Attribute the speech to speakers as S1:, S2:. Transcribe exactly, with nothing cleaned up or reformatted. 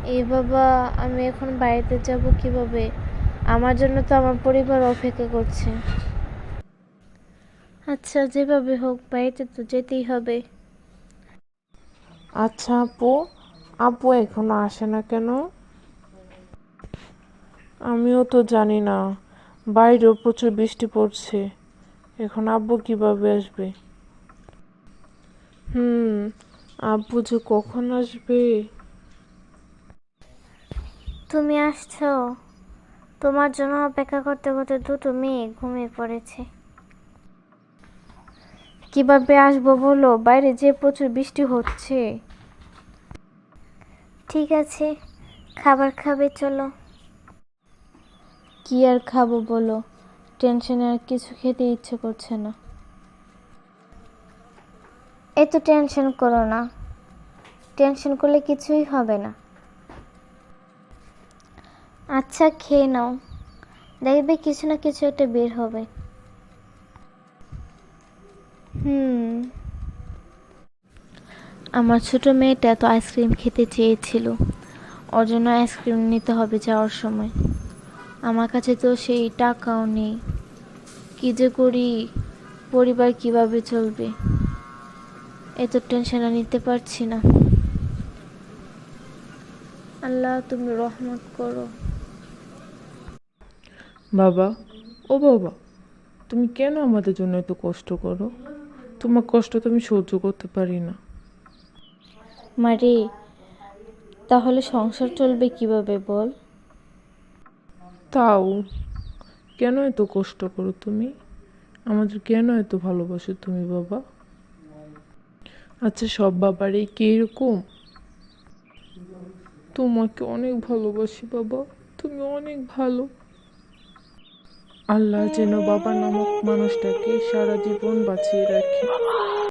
S1: এই বাবা, আমি এখন বাড়িতে যাব কিভাবে? আমার জন্য তো আমার পরিবার অপেক্ষা করছে। আচ্ছা, যেভাবে হোক বাড়িতে তো যেতেই হবে।
S2: আচ্ছা আপু, আপু এখনো আসে না কেন? আমিও তো জানি না, বাইরেও প্রচুর বৃষ্টি পড়ছে। এখন আব্বু কিভাবে আসবে? হুম, আব্বু যে কখন আসবে?
S1: তুমি আসছো? তোমার জন্য অপেক্ষা করতে করতে দুটো মেয়ে ঘুমিয়ে পড়েছে। কিভাবে আসবো বলো, বাইরে যে প্রচুর বৃষ্টি হচ্ছে। ঠিক আছে, খাবার খাবে চলো। কি আর খাবো বলো, টেনশনে আর কিছু খেতে ইচ্ছে করছে না। এত টেনশন করো না, টেনশন করলে কিছুই হবে না। আচ্ছা খেয়ে নাও, দেখবে কিছু না কিছু একটা বের হবে। হুম, আমার ছোট মেয়েটা তো আইসক্রিম খেতে চেয়েছিল, ওর জন্য আইসক্রিম নিতে হবে যাওয়ার সময়। আমার কাছে তো সেই টাকাও নেই। কি যে করি, পরিবার কিভাবে চলবে, এত টেনশন আর নিতে পারছি না। আল্লাহ তুমি রহমত করো।
S2: বাবা, ও বাবা, তুমি কেন আমাদের জন্য এত কষ্ট করো? তোমার কষ্ট তো আমি সহ্য করতে পারি না।
S1: মারে, তাহলে সংসার চলবে কিভাবে বল?
S2: তাও কেন এত কষ্ট করো তুমি? আমাদের কেন এত ভালোবাসো তুমি বাবা? আচ্ছা, সব বাবারই কি এরকম? তোমাকে অনেক ভালোবাসি বাবা, তুমি অনেক ভালো। আল্লাহ যেন বাবা নামক মানুষটাকে সারা জীবন বাঁচিয়ে রাখে।